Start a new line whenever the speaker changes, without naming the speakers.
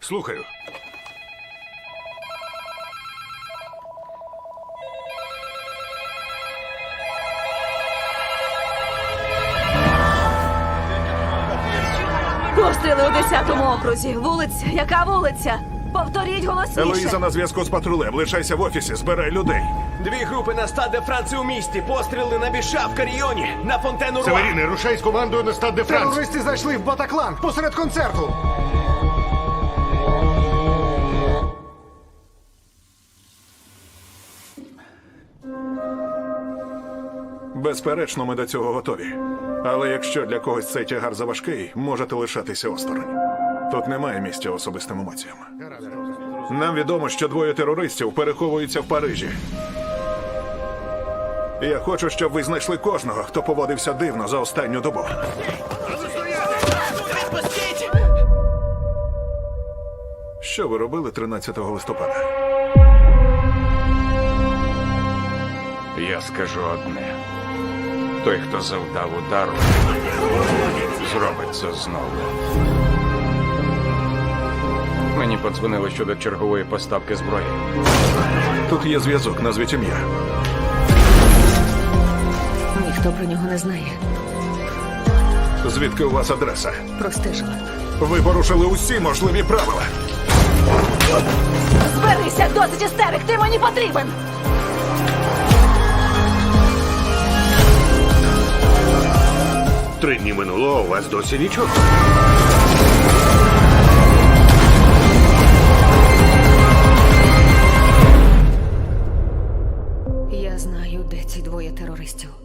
Слухаю.
Постріли у 10-му окрузі. Вулиця. Яка вулиця? Повторіть голосніше.
Елоїза на зв'язку з патрулем. Лишайся в офісі, збирай людей.
2 групи на Стад де Франції у місті. Постріли на Біша в Каріоні, на Фонтену Руа.
Северіни, рушай з командою на Стад де Франс.
Терористи зайшли в Батаклан посеред концерту.
Безперечно, ми до цього готові. Але якщо для когось цей тягар заважкий, можете лишатися осторонь. Тут немає місця особистим емоціям. Нам відомо, що 2 терористів переховуються в Парижі. Я хочу, щоб ви знайшли кожного, хто поводився дивно за останню добу. Що ви робили 13 листопада?
Я скажу одне. Той, хто завдав удару, зробить це знову. Мені подзвонили щодо чергової поставки зброї.
Тут є зв'язок, назвіть ім'я.
Ніхто про нього не знає.
Звідки у вас адреса?
Простежила.
Ви порушили усі можливі правила.
Зберися, досить істерик, ти мені потрібен!
Три дні минуло, а у вас досі нічого.
Я знаю, де ці 2 терористів.